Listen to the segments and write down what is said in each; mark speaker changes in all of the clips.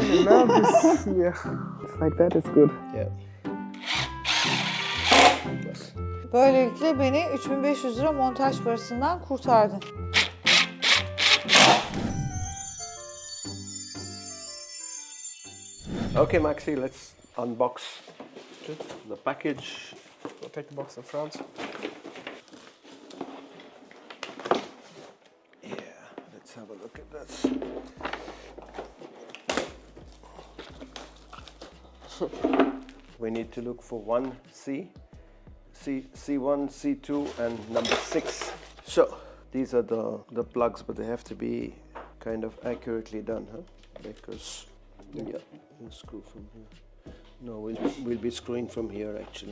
Speaker 1: nervous. Yeah. It's like that is good.
Speaker 2: Yeah.
Speaker 3: Böylelikle beni 3500 lira montaj parasından kurtardın.
Speaker 2: Okay, Maxi, let's unbox the package.
Speaker 1: I'll take the box in front.
Speaker 2: Yeah, let's have a look at this. We need to look for 1C, C1, C2, and number 6. So these are the plugs, but they have to be kind of accurately done, huh? Because yeah, we'll screw from here. No, we'll be screwing from here actually.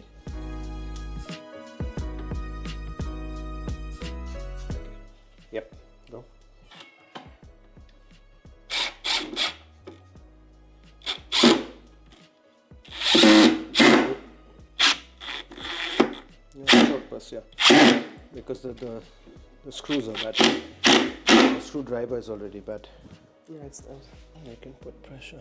Speaker 2: Yep, go. Yeah, short bus, yeah. Because the screws are bad. The screwdriver is already bad.
Speaker 1: Yeah, it's that.
Speaker 2: I can put pressure.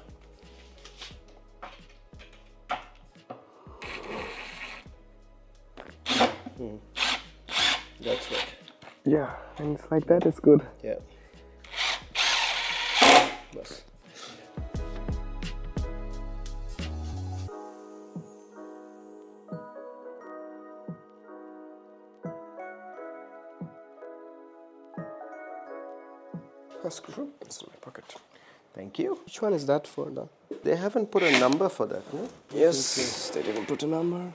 Speaker 2: That's right.
Speaker 1: Yeah, and it's like that is good.
Speaker 2: Yeah. Bus.
Speaker 1: A screw. It's in my pocket.
Speaker 2: Thank you.
Speaker 1: Which one is that for, though?
Speaker 2: They haven't put a number for that, no?
Speaker 1: Yes, they didn't put a number.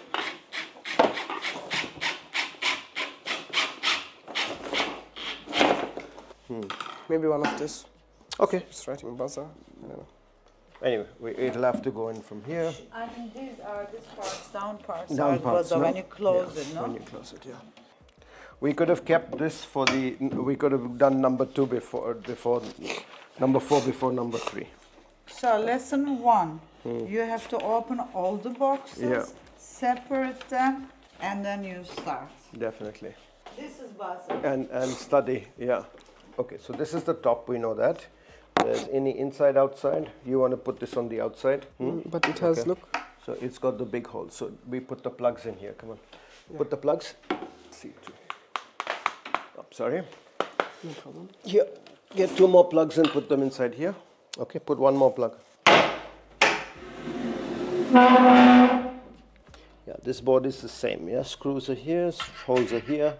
Speaker 1: Maybe one of this.
Speaker 2: Okay.
Speaker 1: It's writing buzzer. I don't know.
Speaker 2: Anyway, it'll have to go in from here.
Speaker 3: I think these are this parts, down parts.
Speaker 2: Down parts, no?
Speaker 3: when you close
Speaker 2: Yeah,
Speaker 3: it, no?
Speaker 2: when you close it, yeah. We could have kept this for the. We could have done number 2 before number 4 before number 3.
Speaker 3: So lesson 1, you have to open all the boxes,
Speaker 2: Yeah.
Speaker 3: separate them, and then you start.
Speaker 2: Definitely.
Speaker 3: This is buzzer.
Speaker 2: And study, yeah. Okay, so this is the top. We know that. There's any inside outside. You want to put this on the outside.
Speaker 1: But it has,
Speaker 2: Okay.
Speaker 1: look.
Speaker 2: So it's got the big hole. So we put the plugs in here. Come on. Put the plugs. C2. Oh, sorry.
Speaker 1: No problem.
Speaker 2: Here. Get 2 more plugs and put them inside here. Okay, put 1 more plug. Yeah, this board is the same. Yeah, screws are here, holes are here.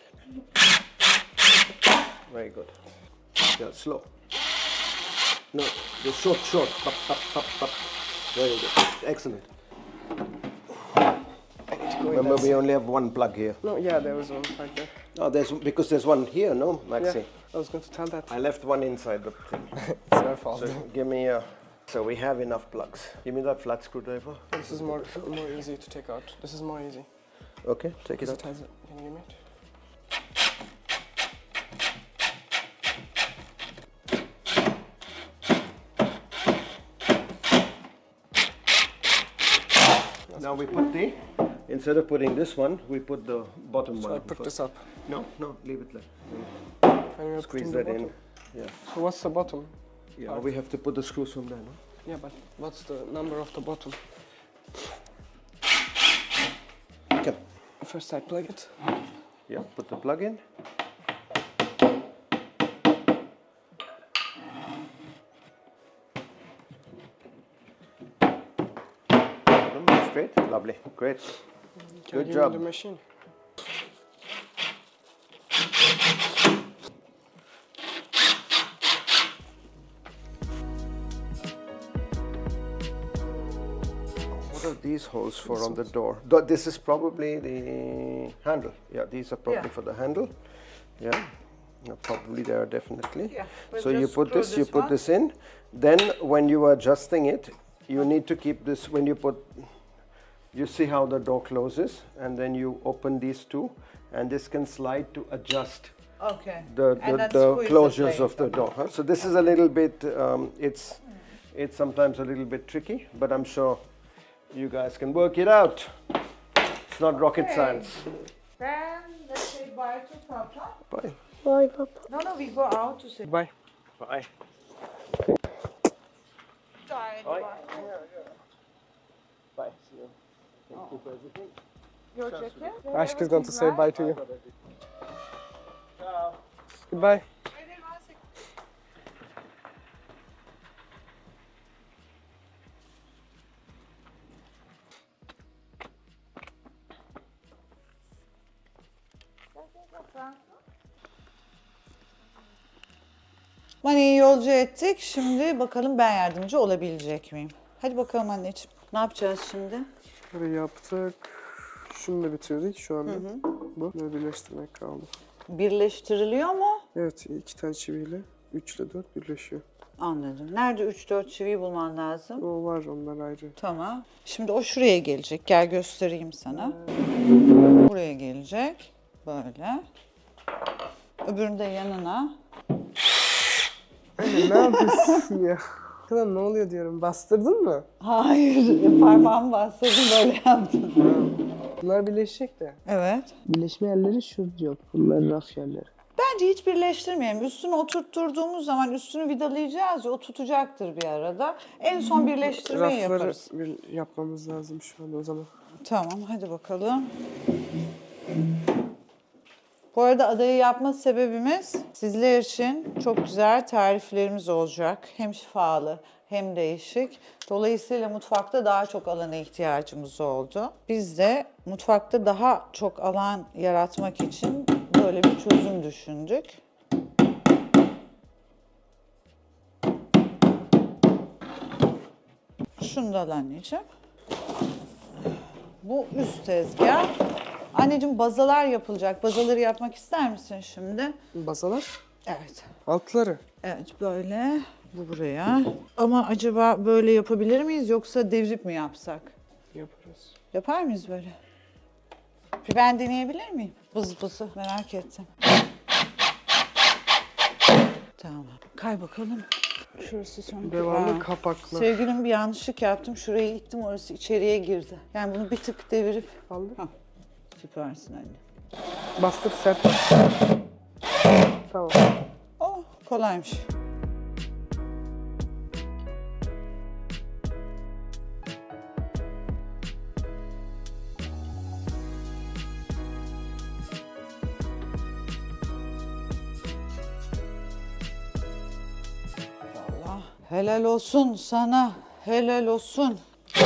Speaker 2: Very good. Yeah, slow. No, the short. Pop, pop, pop, pop. Very good. Excellent. Remember, we only have 1 plug here.
Speaker 1: No, yeah, there was one right there.
Speaker 2: Oh, because there's 1 here, no, Maxi?
Speaker 1: Yeah, I was going to tell that.
Speaker 2: I left 1 inside the thing.
Speaker 1: It's their fault.
Speaker 2: So give me a. So we have enough plugs. Give me that flat screwdriver.
Speaker 1: This is more easy to take out. This is more easy.
Speaker 2: Okay, take it
Speaker 1: Because
Speaker 2: out.
Speaker 1: it has it. Can you give me it?
Speaker 2: Now we put instead of putting this one, we put the bottom
Speaker 1: So
Speaker 2: one.
Speaker 1: I put
Speaker 2: first.
Speaker 1: this up.
Speaker 2: No, leave it like.
Speaker 1: And you're
Speaker 2: Squeeze
Speaker 1: putting the
Speaker 2: that in.
Speaker 1: bottom.
Speaker 2: Yeah.
Speaker 1: So what's the bottom?
Speaker 2: Yeah, we have to put the screws from there, no?
Speaker 1: Yeah, but what's the number of the bottom?
Speaker 2: Okay.
Speaker 1: First I plug it.
Speaker 2: Yeah, put the plug in. Straight, lovely, great.
Speaker 1: Can
Speaker 2: Good
Speaker 1: you
Speaker 2: job.
Speaker 1: give me the machine?
Speaker 2: What are these holes for on the door? This is probably the handle. Yeah, these are probably
Speaker 3: Yeah.
Speaker 2: for the handle. Yeah, no, probably there definitely.
Speaker 3: Yeah, but
Speaker 2: So you
Speaker 3: just
Speaker 2: put
Speaker 3: screw
Speaker 2: this, you
Speaker 3: this
Speaker 2: put
Speaker 3: one.
Speaker 2: this in. Then when you are adjusting it, you need to keep this. When you put, you see how the door closes, and then you open these 2, and this can slide to adjust
Speaker 3: Okay.
Speaker 2: the
Speaker 3: And then
Speaker 2: the
Speaker 3: squeeze it
Speaker 2: closures of
Speaker 3: later.
Speaker 2: the door. Huh? So this is a little bit. It's sometimes a little bit tricky, but I'm sure you guys can work it out. It's not rocket
Speaker 3: Okay.
Speaker 2: science.
Speaker 3: Then let's say bye to Papa.
Speaker 2: Bye.
Speaker 4: Bye, Papa.
Speaker 3: No, we go out to say
Speaker 1: Bye.
Speaker 2: Bye. Bye. Bye. See you. Thank you for everything.
Speaker 3: Your jacket?
Speaker 1: Aşk is going to say bye to you. Goodbye.
Speaker 3: Mani'yi yolcu ettik. Şimdi bakalım ben yardımcı olabilecek miyim? Hadi bakalım anneciğim. Ne yapacağız şimdi?
Speaker 1: Burayı yaptık. Şunu da bitirdik şu anda. Bu. Böyle birleştirmek kaldı.
Speaker 3: Birleştiriliyor mu?
Speaker 1: Evet, 2 tane çiviyle 3 ile 4 birleşiyor.
Speaker 3: Anladım. Nerede 3-4 çiviyi bulman lazım?
Speaker 1: O var, onlar ayrı.
Speaker 3: Tamam. Şimdi o şuraya gelecek. Gel göstereyim sana. Buraya gelecek. Böyle. Öbürünü de yanına.
Speaker 1: Anne ne yapıyorsun ya? Kadar ne oluyor diyorum. Bastırdın mı?
Speaker 3: Hayır. Parmağımı bastırdım böyle yaptım.
Speaker 1: Bunlar birleşecek de.
Speaker 3: Evet.
Speaker 1: Birleşme yerleri şurada yok. Bunlar raf yerleri.
Speaker 3: Bence hiç birleştirmeyelim. Üstünü oturtturduğumuz zaman üstünü vidalayacağız ya o tutacaktır bir arada. En son birleştirmeyi
Speaker 1: Rafları
Speaker 3: yaparız.
Speaker 1: yapmamız lazım şu anda o zaman.
Speaker 3: Tamam hadi bakalım. Bu arada adayı yapma sebebimiz sizler için çok güzel tariflerimiz olacak. Hem şifalı hem değişik. Dolayısıyla mutfakta daha çok alana ihtiyacımız oldu. Biz de mutfakta daha çok alan yaratmak için böyle bir çözüm düşündük. Şunu da al anneciğim. Bu üst tezgah. Anneciğim bazalar yapılacak. Bazaları yapmak ister misin şimdi?
Speaker 1: Basalar.
Speaker 3: Evet.
Speaker 1: Altları.
Speaker 3: Evet böyle. Bu buraya. Ama acaba böyle yapabilir miyiz yoksa devrip mi yapsak?
Speaker 1: Yaparız.
Speaker 3: Yapar mıyız böyle? Bir ben deneyebilir miyim? Bız bızı merak ettim. Tamam. Kay bakalım. Şurası son.
Speaker 1: Devamlı kapaklı.
Speaker 3: Sevgilim bir yanlışlık yaptım. Şurayı ittim orası içeriye girdi. Yani bunu bir tık devirip.
Speaker 1: Kaldı.
Speaker 3: Hah, süpersin anne.
Speaker 1: Bastır sert. Tamam.
Speaker 3: Oh kolaymış. Vallahi helal olsun sana. Helal olsun.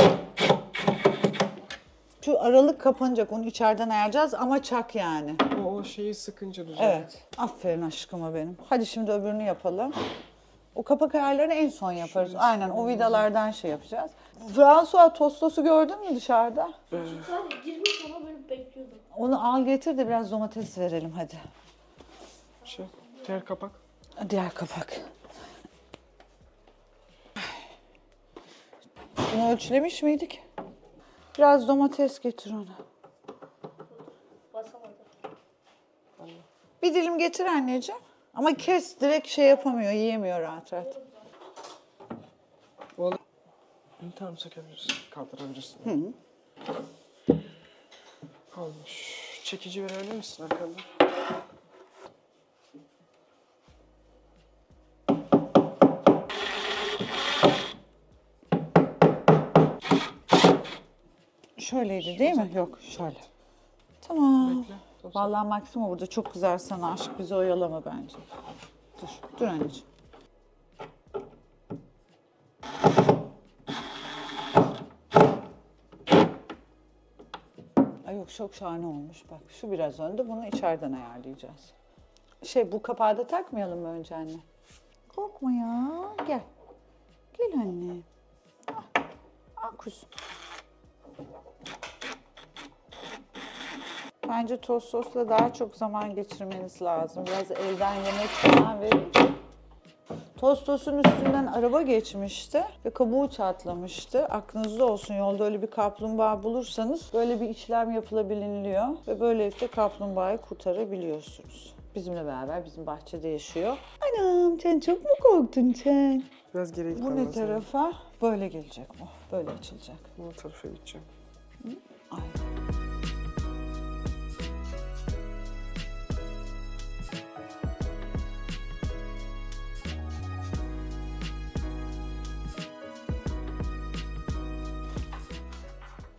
Speaker 3: Şu aralık kapanacak. Onu içeriden ayarlayacağız ama çak yani.
Speaker 1: O şeyi sıkınca düzelir.
Speaker 3: Evet. Aferin aşkıma benim. Hadi şimdi öbürünü yapalım. O kapak ayarlarını en son yaparız. Aynen o vidalardan şey yapacağız. François tostosu gördün mü dışarıda?
Speaker 4: Sadece girmiş ama böyle bekliyordum.
Speaker 3: Onu al getir de biraz domates verelim hadi.
Speaker 1: Diğer kapak.
Speaker 3: Diğer kapak. Bunu ölçülemiş miydik? Biraz domates getir ona.
Speaker 4: Basamadım.
Speaker 3: Bir dilim getir anneciğim. Ama kes direkt şey yapamıyor, yiyemiyor rahat rahat.
Speaker 1: Oğlum. Tamam sökebilirsin. Kaldırabilirsin. Olmuş. Çekici verebilir misin arkandan?
Speaker 3: Şöyleydi değil mi? Yok şöyle. Tamam.
Speaker 1: Bekle.
Speaker 3: Vallahi Maximo burada çok güzel sana aşk bizi oyalama bence. Dur anneciğim. Ay yok çok şahane olmuş bak. Şu biraz önde bunu içeriden ayarlayacağız. Bu kapağı da takmayalım mı önce anne? Korkma ya. Gel. Gel anne. Al kuzum. Bence tost sosla daha çok zaman geçirmeniz lazım. Biraz elden yemek falan verin. Tost sosun üstünden araba geçmişti ve kabuğu çatlamıştı. Aklınızda olsun yolda öyle bir kaplumbağa bulursanız böyle bir işlem yapılabiliyor ve böylelikle kaplumbağayı kurtarabiliyorsunuz. Bizimle beraber bizim bahçede yaşıyor. Anam sen çok mu korktun sen?
Speaker 1: Biraz geriye
Speaker 3: Bu
Speaker 1: gitmem
Speaker 3: ne
Speaker 1: lazım.
Speaker 3: tarafa? Böyle gelecek bu. Böyle açılacak.
Speaker 1: Bu tarafa gideceğim.
Speaker 3: Aynen.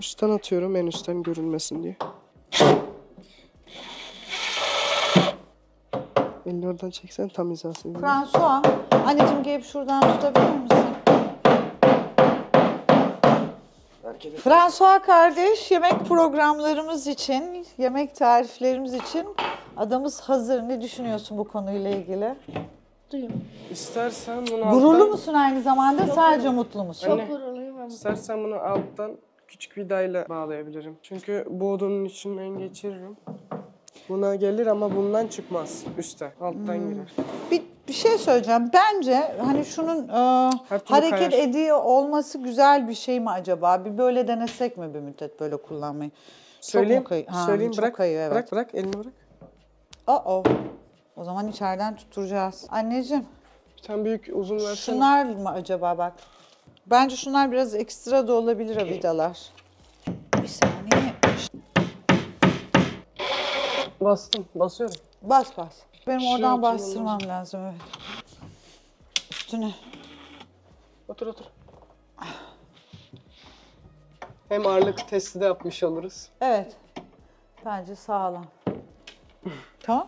Speaker 1: Üstten atıyorum, en üstten görünmesin diye. Elini oradan çeksen tam hizasını.
Speaker 3: François, anneciğim gelip şuradan tutabilir misin? François kardeş, yemek programlarımız için, yemek tariflerimiz için adamız hazır. Ne düşünüyorsun bu konuyla ilgili?
Speaker 4: Duyuyorum.
Speaker 1: İstersen bunu
Speaker 3: Gururlu musun aynı zamanda, sadece mutlu musun?
Speaker 4: Çok gururluyum ama.
Speaker 1: İstersen bunu alttan küçük vidayla bağlayabilirim. Çünkü bu odunun içinden geçiririm. Buna gelir ama bundan çıkmaz. Üste, alttan girer.
Speaker 3: Bir şey söyleyeceğim. Bence hani şunun
Speaker 1: türlü
Speaker 3: hareket
Speaker 1: kayar.
Speaker 3: ediyor olması güzel bir şey mi acaba? Bir böyle denesek mi bir müddet böyle kullanmayı?
Speaker 1: Söyleyeyim,
Speaker 3: Çok mu Ha,
Speaker 1: söyleyeyim
Speaker 3: çok
Speaker 1: bırak,
Speaker 3: kayıyor, evet.
Speaker 1: bırak, elini bırak.
Speaker 3: O zaman içeriden tutturacağız. Anneciğim,
Speaker 1: Bir tane büyük uzun versene.
Speaker 3: şunlar mı acaba bak? Bence şunlar biraz ekstra da olabilir o vidalar. Bir saniye.
Speaker 1: Bastım, basıyorum.
Speaker 3: Bas. Benim
Speaker 1: Şuraya
Speaker 3: oradan
Speaker 1: oturmam
Speaker 3: bastırmam lazım, evet. Üstüne.
Speaker 1: Otur. Hem ağırlık testi de yapmış oluruz.
Speaker 3: Evet. Bence sağlam. Tamam.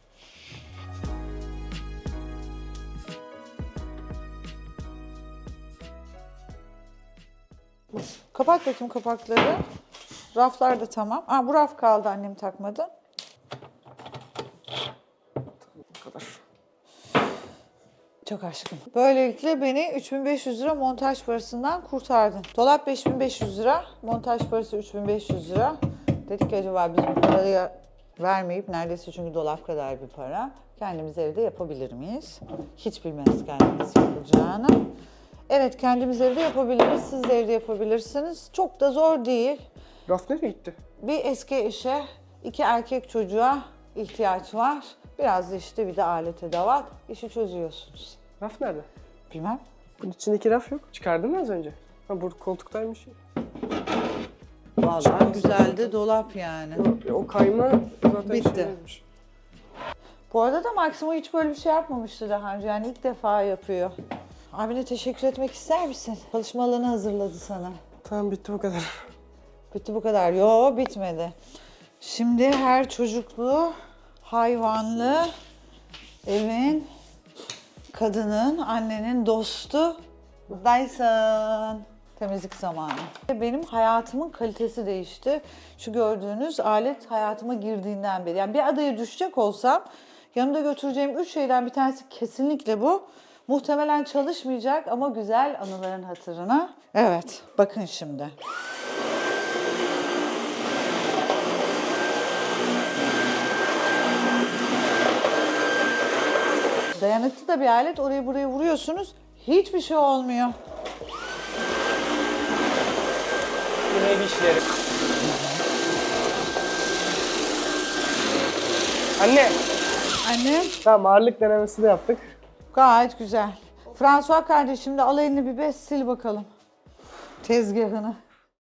Speaker 3: Kapat bakayım kapakları. Raflar da tamam. Bu raf kaldı, annem takmadı.
Speaker 1: Bu kadar.
Speaker 3: Çok aşkım. Böylelikle beni 3500 lira montaj parasından kurtardın. Dolap 5500 lira, montaj parası 3500 lira. Dedik ki acaba biz bu parayı vermeyip, neredeyse çünkü dolap kadar bir para, kendimiz evde yapabilir miyiz? Hiç bilmez kendimiz yapacağını. Evet, kendimiz evde yapabiliriz, siz de evde yapabilirsiniz. Çok da zor değil.
Speaker 1: Raf nereye gitti?
Speaker 3: Bir eski eşe, 2 erkek çocuğa ihtiyaç var. Biraz da işte bir de alet edevat. İşi çözüyorsunuz.
Speaker 1: Raf nerede?
Speaker 3: Bilmem.
Speaker 1: Bunun içindeki raf yok. Çıkardın mı az önce? Ha, burada koltuktaymış.
Speaker 3: Vallahi güzeldi dolap yani.
Speaker 1: O kayma zaten
Speaker 3: Bitti.
Speaker 1: şeymiş.
Speaker 3: Bu arada da Maximo hiç böyle bir şey yapmamıştı daha önce. Yani ilk defa yapıyor. Abine teşekkür etmek ister misin? Çalışma alanı hazırladı sana.
Speaker 1: Tamam, bitti bu kadar.
Speaker 3: Bitti bu kadar. Yo, bitmedi. Şimdi her çocuklu, hayvanlı evin, kadının, annenin dostu Dyson. Temizlik zamanı. Benim hayatımın kalitesi değişti. Şu gördüğünüz alet hayatıma girdiğinden beri. Yani bir adaya düşecek olsam yanımda götüreceğim 3 şeyden bir tanesi kesinlikle bu. Muhtemelen çalışmayacak ama güzel anıların hatırına. Evet, bakın şimdi. Dayanıklı da bir alet. Orayı buraya vuruyorsunuz. Hiçbir şey olmuyor.
Speaker 1: Yine ev işleri. Anne.
Speaker 3: Anne,
Speaker 1: Tamam, ağırlık denemesi de yaptık.
Speaker 3: gayet güzel. François kardeşim de al elini bir bez sil bakalım tezgahını.